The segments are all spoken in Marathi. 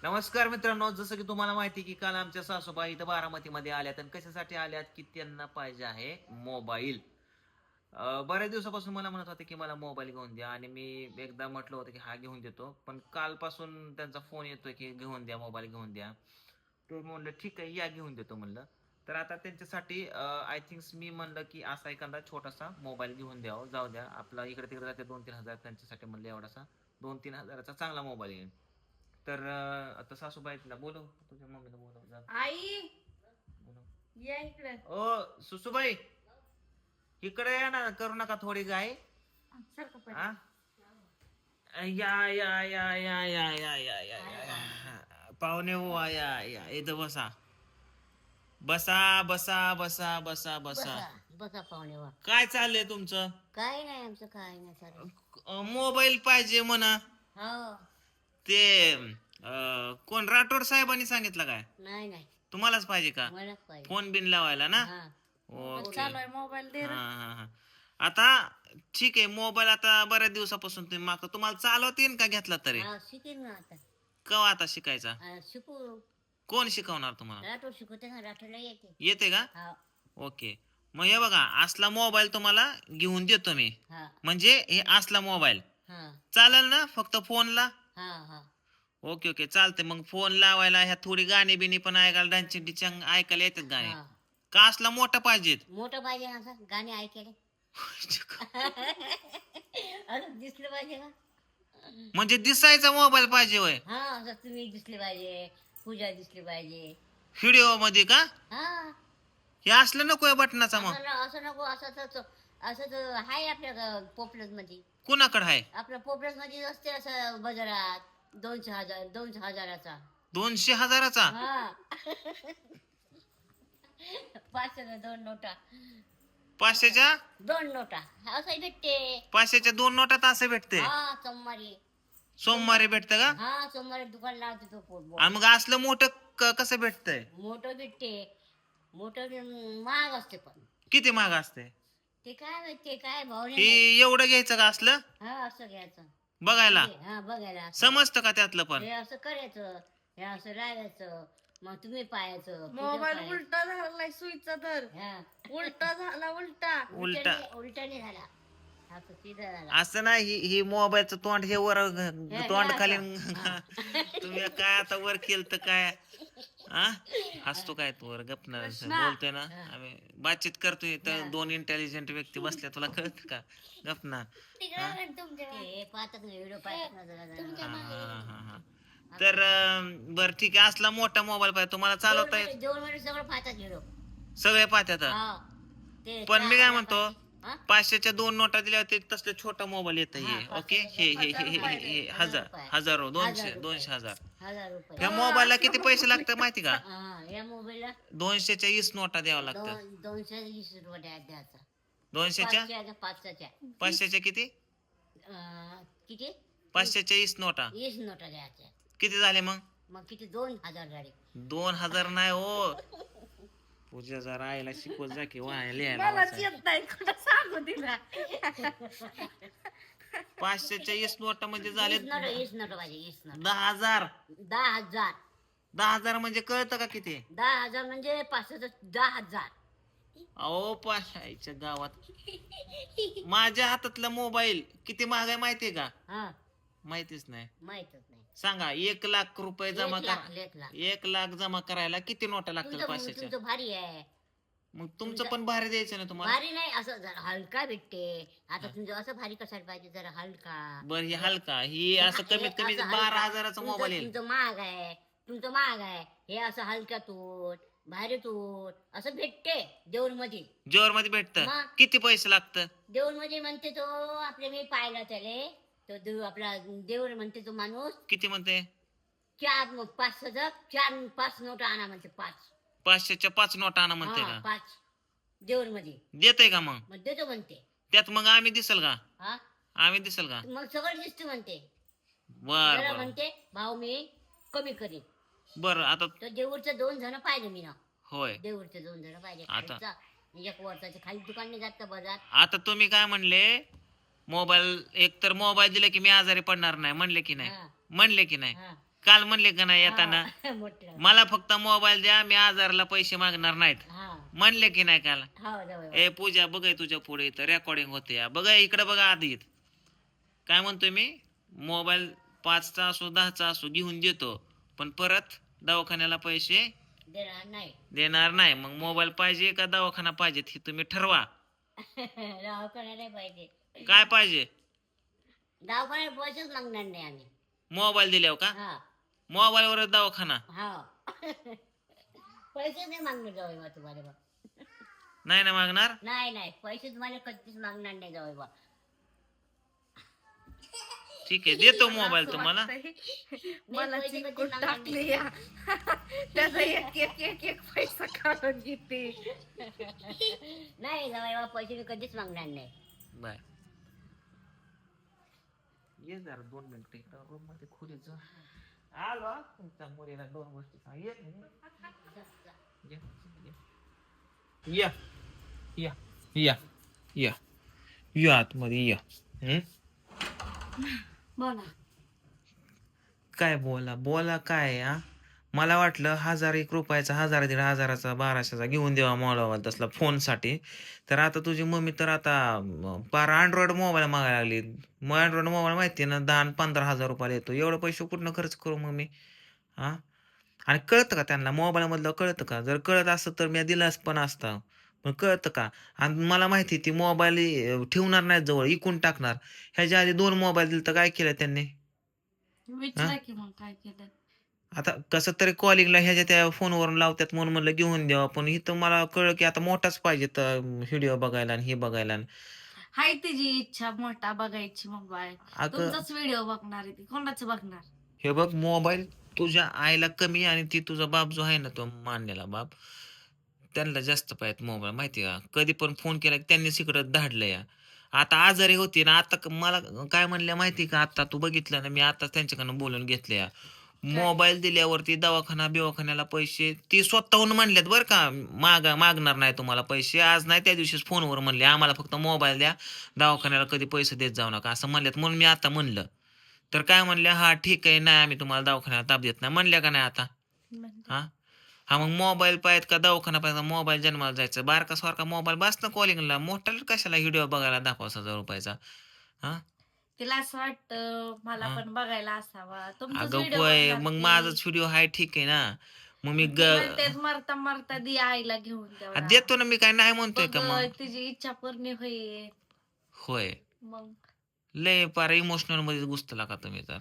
नमस्कार मित्रांनो, जसं की तुम्हाला माहिती की काल आमच्या सासूबाई इथं बारामतीमध्ये आल्यात आणि कशासाठी आल्यात की त्यांना पाहिजे आहे मोबाईल. बऱ्याच दिवसापासून मला म्हणत होते की मला मोबाईल घेऊन द्या आणि मी एकदा म्हटलं होतं की हा घेऊन देतो, पण कालपासून त्यांचा फोन येतोय की घेऊन द्या, मोबाईल घेऊन द्या. तर म्हणलं ठीक आहे, या घेऊन देतो म्हणलं. तर आता त्यांच्यासाठी आय थिंक मी म्हणलं की असा एखादा छोटासा मोबाईल घेऊन द्यावं, जाऊ द्या आपला इकडे तिकडे जाते 2-3 हजार, त्यांच्यासाठी म्हणलं एवढासा 2-3 हजाराचा चांगला मोबाईल येईल. तर आता सासूबाईला बोलव, तुझ्या मम्मीला बोलव, जा आई बोलव. या इकडे. ओ सुसूबाई, इकडे या ना, करू नका थोडी गाय. सारखं पण हा, या या या या या या या या या पाहुणे हो, या या इथं बसा, बसा बसा बसा बसा बसा. बसा बसा पाहुणे वा. काय चाललंय तुमचं? काय नाही आमचं, काय नाही चालू. मोबाईल पाहिजे म्हणा. हो. ते कोण राठोड साहेबांनी सांगितलं काय? नाही नाही, तुम्हालाच पाहिजे का मलाच पाहिजे. फोन बिन लावायला ना? हा. ओके. चालू आहे मोबाईल दे रे. हा हा हा. आता ठीक आहे, मोबाईल आता बऱ्याच दिवसापासून तुम्ही मागतो, तुम्हाला चालवता येईन का घेतला तरी? हा, शिकेल ना आता. केव्हा आता शिकायचा? शिकू. कोण शिकवणार तुम्हाला? राठोड शिकवते ना, राठोडला येते. येते का? हा. ओके. मग हे बघा, असला मोबाईल तुम्हाला घेऊन देतो मी. हा. म्हणजे हे असला मोबाईल हा. चालेल ना, फक्त फोनला? हा. हा. ओके ओके, चालते. मग फोन लावायला ह्या थोडी गाणी बिणी पण ऐकायला, डान्सिंग डिचंग ऐकायला येतात गाणी. हा. का असला मोठा पाहिजेत? मोठं पाहिजे ना, असं गाणे ऐकायला. असं दिसलं पाहिजे का? म्हणजे दिसायचा मोबाईल पाहिजे होय? हा, असं तुम्ही दिसले पाहिजे, पूजा दिसली पाहिजे. व्हिडिओ मध्ये का? हा. हे असलं नको बटनाचा मग? असं नको, असं तर आहे आपल्या पॉप्युलर मध्ये. कुणाकडे आहे? आपल्या पॉप्युलर मध्ये असते असं बाजारात 200,000 200,000चा? हा. 500च्या 2 नोटा. 500च्या 2 नोटा असं भेटते. 500च्या 2 नोटात असं भेटते? हा, सोमवारी. सोमवारी भेटतं का? हा, सोमवारी दुकान लावते तो आणि मग असलं मोठं कसं भेटतंय? मोठं भेटते. मोठं महाग असते, पण किती महाग असते? ते काय माहिती, काय भाव हे नाही. एवढं घ्यायचं का असलं हा, असं घ्यायचं. बघायला? हा, बघायला. समजतं का त्यातलं पण? हे असं करायचं, हे असं राहायचं, मग तुम्ही पाहायचं. मोबाईल उलटा झालाय, सुईचा धर उलटा झाला, उलटा. उलटा उलटाने झाला, असं सीधा झाला. असं नाही, ही मोबाईलचं तोंड हे वर, तोंड हे खाली. असं. तुम्ही काय आता वर केलं तर काय? हा, हसतो काय तू? वर गपना बोलतोय ना, आम्ही बातचीत करतोय तर दोन इंटेलिजंट व्यक्ती बसल्या, तुला कळत का? गपना. ते पाहतात ना, व्हिडिओ पाहतात ना जरा. तर बर ठीक आहे, असला मोठा मोबाईल पाहिजे तुम्हाला, चालवता येत? जेवण मध्ये सगळं पाहतात व्हिडिओ. सगळे पाहतात. हा. ते पण मी काय म्हणतो, हा? 500च्या 2 नोटा दिल्या होते तसले छोटा मोबाईल येत हे. हा, ओके, हे हजारो, 200 1000 रुपये. या मोबाईलला किती पैसे लागतात माहिती का? हा, या मोबाईलला 200च्या 20 नोटा द्यावं लागतं. 220 रुपये द्यायचा. 200च्या 500च्या 500च्या किती? किती? 500च्या 20 नोटा 20 नोटा द्यायच्या. किती झाले मग? मग किती? 2000 झाले. 2000 नाही हो, पूजा जरा आईला शिकवत जा की लिहायला मलाच वाचायला. येत नाही, कुठं सांगू तिला. 500च्या 20 नोटा म्हणजे झाले 20 नोटा पाहिजे. 20 नोटा. 10,000. 10,000. 10,000 म्हणजे कळतं का किती? 10,000 म्हणजे 500चं 10,000. अहो पाशाच्या गावात माझ्या हातातला मोबाईल किती महाग आहे माहितीये का? हा, माहितीच नाही. माहितच नाही. सांगा, 1,00,000 रुपये जमा 1 करा. लाख, 1 लाख. 1,00,000 जमा करायला किती नोटा लागतील तुमचं 500च्या? तुमचं भारी आहे. मग तुमचं पण भारी द्यायचं ना तुम्हाला. भारी नाही, असं जरा हलका भेटते. आता तुमचं असं भारी कशाला पाहिजे, जरा हलका. बर, ही हलका, ही असं कमीत कमी असं हलका. 12,000चा मोबाईल येईल. तुमचं महाग आहे, तुमचं महाग आहे. हे असं हलका तूट, भारी तूट असं भेटते देऊळ मध्ये. जोर मध्ये भेटत? मग? किती पैसे लागतं? देऊळ मध्ये म्हणते तो, आपले मी पाहिला त्याले तो आपला देऊळ म्हणते तो माणूस. किती म्हणते? 5 नोटा आणा म्हणते. 500च्या 5 नोटा आणा म्हणते का? 5 देऊळ मध्ये. देते का मग? मग देतो म्हणते. त्यात मग आम्ही दिसल का? हा, आम्ही दिसल का? मग सगळं दिसते म्हणते. बर जरा बर म्हणते भाऊ मी कमी करीन. बर. आता तर देऊळचं 2 जण पाहिजे मी ना. होय, देऊळचे 2 जण पाहिजे. आता? खालचा, एक वर्षाचे खाली दुकान नाही जात का बाजार. आता तुम्ही काय म्हणले, मोबाईल एक तर मोबाईल दिले की मी आजारी पडणार नाही म्हणले की नाही? हा. म्हणले की नाही? हा. काल म्हणले का नाही येताना मोठं मला फक्त मोबाईल द्या, मी आजारला पैसे मागणार नाहीत, हा म्हणले की नाही काल? हो जाऊ ए पूजा बघ तुझ्या पुढे इथं रेकॉर्डिंग होते या, बघा इकडे बघा आधी काय म्हणतोय मी, मोबाईल 5चा असो 10चा असो घेऊन देतो, पण परत दवाखान्याला पैसे देणार नाही. देणार नाही. मग मोबाईल पाहिजे का दवाखाना पाहिजे हे तुम्ही ठरवा. दवाखान्याला नाही पाहिजे. काय पाहिजे? दवाखान्यात पैसेच मागणार नाही आम्ही. मोबाईल दिल्यावर का? हा मोबाईलवर दवाखाना हा पैसे नाही मागणार जाऊ बा तुम्हाला बा. नाही ना मागणार? नाही नाही पैसे तुम्हाला कधीच मागणार नाही जाऊ बा. ठीक आहे, देतो मोबाईल असं तुम्हाला. वाटतंय, मला पैसे चिकून कधी टाकले या त्याचा एक एक एक एक पैसा काढून घेते. नाही जाऊ बा पैसे मी कधीच मागणार नाही. बाय. ये जरा 2 मिनिटं इकडं रूम मध्ये खोलीत जा. आलो हा. तुमच्या मुलीला 2 गोष्टी सांग. ये. ये. या या या या या आतमध्ये या. बोला काय बोला बोला काय हा? मला वाटलं 1,000-1 रुपयाचा 1,000-1,500चा 1,200चा घेऊन देवा मोबाईल तसला फोनसाठी. तर आता तुझी मम्मी तर आता पार अँड्रॉइड मोबाईल मागायला लागली. मग अँड्रॉइड मोबाईल माहिती आहे ना 10-15 हजार रुपयाला येतो. एवढं पैसे कुठनं खर्च करू मग मी? हा, आणि कळतं का त्यांना मोबाईल मधलं कळतं का? जर कळत असतं तर मी दिलाच पण असता, पण कळतं का? आणि मला माहिती ती मोबाईल ठेवणार नाही जवळ, इकून टाकणार. ह्याच्या आधी 2 मोबाईल दिले तर काय केलं त्यांनी? विचारा की मग काय केलं. आता कसं तरी कॉलिंगला ह्याच्या त्या फोनवरून लावतात म्हणून म्हणलं घेऊन द्यावा, पण इथं मला कळलं की आता मोठाच पाहिजे तर व्हिडिओ बघायला आणि हे बघायला. हाय तिची इच्छा मोठा बघायची मोबाईल. अगं तुमचाच व्हिडिओ बघणार आहे ती, कोणाचं बघणार? हे बघ मोबाईल तुझ्या आईला कमी आणि ती तुझा बाप जो आहे ना तो मानलेला बाप, त्यांना जास्त पाहिजे मोबाईल माहिती का? कधी पण फोन केला की त्यांनीच इकडं धाडलं या. आता आजारी होती ना, आता मला काय म्हणल्या माहिती का? आता तू बघितलं ना, मी आता त्यांच्याकडनं बोलून घेतले या. काय? मोबाईल दिल्यावरती दवाखाना बिवाखान्याला पैसे ती स्वतःहून म्हणल्यात बरं का, मागणार नाही तुम्हाला पैसे. आज नाही त्या दिवशीच फोनवर म्हणले आम्हाला फक्त मोबाईल द्या, दवाखान्याला कधी पैसे देत जाऊ नका असं म्हणल्यात. म्हणून मी आता म्हणलं तर काय म्हणल्या, हा ठीक आहे, नाही आम्ही तुम्हाला दवाखान्याला ताप देत नाही म्हणल्या का नाही आता? म्हणजे हा हा, मग मोबाईल पाहिजे का दवाखाना पाहिजे? मोबाईल जन्माला जायचं बारका सारखा मोबाईल बस ना कॉलिंगला, मोठ्याला कशाला व्हिडिओ बघायला 10,000-5,000 रुपयाचा? हा तिला असं वाटतं मला हा. पण बघायला असावा. तुमचाच अगं व्हिडिओ होय, बघणार मग ती. माझाच व्हिडिओ आहे ठीक आहे ना. मग मी ती म्हणते मरता मरता दी आईला घेऊन तेवढा. देतो ना, मी काय नाही म्हणतोय का बघ मग? तिची इच्छा पूर्ण होईल. होय, मग लय पार इमोशनल मध्ये घुसतला का तुम्ही तर.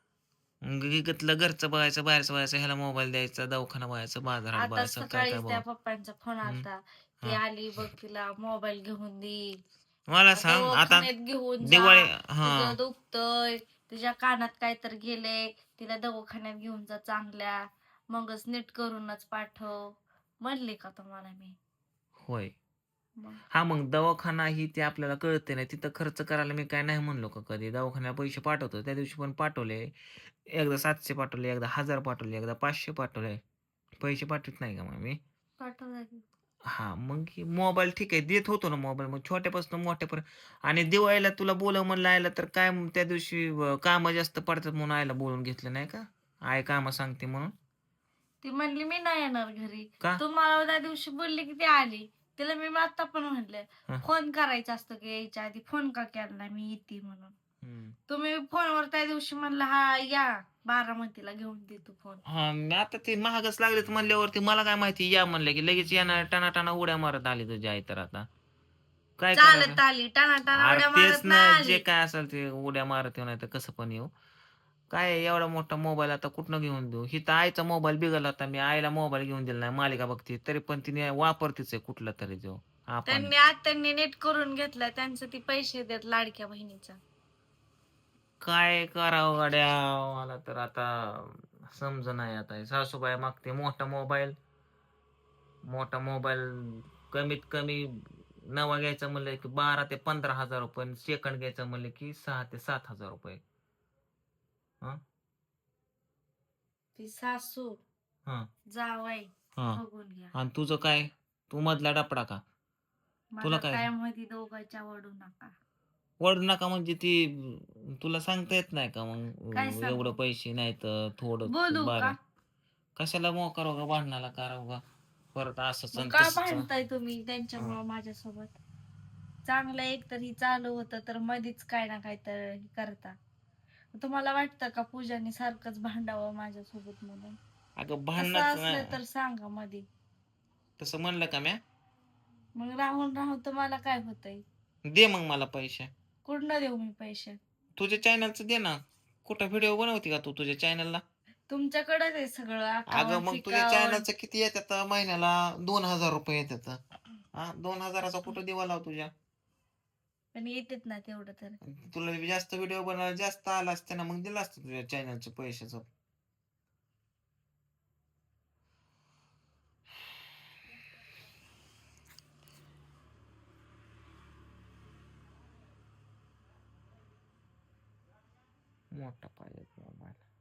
मग घेतलं घरचं बघायचं, बाहेरचं बघायचं, ह्याला मोबाईल द्यायचा, दवाखाना बघायचं, बाजारात आता बघायचं, काय काय सकाळीच त्या बघ. पप्पांचा फोन आलता. ती हा. आली बघ तिला मोबाईल घेऊन दे. मला सांग आता दवाखान्यात घेऊन जा. दिवाळी. हा तुझं दुखतंय, तुझ्या कानात काय तर गेलंय, तिला दवाखान्यात घेऊन जा चांगल्या, मगच नीट करूनच पाठव म्हणले का तुम्हाला मी? होय. मग हा, मग दवाखाना ही ते आपल्याला कळते नाही, तिथं खर्च करायला मी काय नाही म्हणलो का कधी? दवाखान्याला पैसे पाठवतो, त्या दिवशी पण पाठवले. एकदा 700 पाठवले, एकदा 1,000 पाठवले, एकदा 500 पाठवले. पैसे पाठवत नाही का मग मी? पाठवलं की. हा, मग मोबाईल ठीक आहे देत होतो ना मोबाईल, मग छोट्यापासून मोठ्यापर्यंत. आणि दिवाळीला तुला बोलव म्हणलं आयला तर काय त्या दिवशी कामं जास्त पडतात म्हणून आयला बोलून घेतलं नाही का? आय कामं सांगते म्हणून. ती म्हणली मी नाही येणार घरी. का? तुम्हाला त्या दिवशी बोलली की ती आली. तिला मी आता पण म्हणलं हा. फोन करायचा असतो की यायच्या आधी फोन का केला नाही मी येते म्हणून. तुम्ही फोनवर त्या दिवशी म्हणला हा या बारामतीला घेऊन देतो फोन. हा, मी आता ते महागच लागलेत म्हणल्यावरती मला काय माहिती या म्हणलं की लगेच येणार, टाना उड्या मारत आली तुझी आई तर आता काय चालत करायचं? आली टाना टाना अरे उड्या तेच मारत ना, नाही जे आली. काय असेल ते उड्या मारत येऊ नाही तर कसं पण येऊ. काय आहे, एवढा मोठा मोबाईल आता कुठनं घेऊन देऊ? हिथं आईचा मोबाईल बिघडला होता, मी आईला मोबाईल घेऊन दिला नाही, मालिका बघते तरी पण तिने वापरतीच आहे कुठला तरी जो आपण. त्यांनी नीट करून घेतलं त्यांचं ती पैसे देत लाडक्या बहिणीचा. काय करावं गाड्या, मला तर आता समज नाही. आता सासूबाई मागते मोठा मोबाईल कमीत कमी नवा घ्यायचा म्हणलं की 12,000 ते 15,000 रुपये, सेकंड घ्यायचं म्हणलं की 6,000 ते 7,000 रुपये. हा ती सासू हा जावाई हा. बघून घ्या. आणि तुझं काय? तू मधला डपडा का? मला तुला काय? काय मध्ये दोघांच्या वडू नका. वड नका म्हणजे ती तुला सांगता येत नाही का मग काय सांगू? एवढं पैसे नाही तर थोडं बोलू का? बारा कशाला मोकार का भांडणाला करावं का परत असंच मग आणि का तसंच भांडताय तुम्ही त्यांच्यामुळं माझ्यासोबत? चांगलं एक तर ही चालू होतं तर मधीच काय ना काय तर हे करता. तुम्हाला वाटतं का पूजाने सारखंच भांडावं माझ्यासोबत म्हणून? अगं तसं भांडणच असलं तर सांगा मध्ये. तसं म्हणलं का म्या मग राहून राहून तुम्हाला काय होतंय? दे मग मला पैसे कुठनं देऊ मी पैसे? तुझ्या चॅनलचं दे ना कुठं व्हिडिओ बनवते का तू तुझ्या चॅनलला तुमच्याकडेच आहे सगळं अगं अकाउंट मग तुझ्या फिकाउंट. चॅनलचं किती येतात महिन्याला 2,000 रुपये येतात हा 2,000चा कुठं दिवा लाव तुझ्या पण येतेत ना तेवढं तर. तुला जास्त व्हिडिओ बनवायला जास्त आला असते ना मग दिलं असतं तुझ्या चॅनलच्या पैशाचं मोठा पाहिजे मोबाईल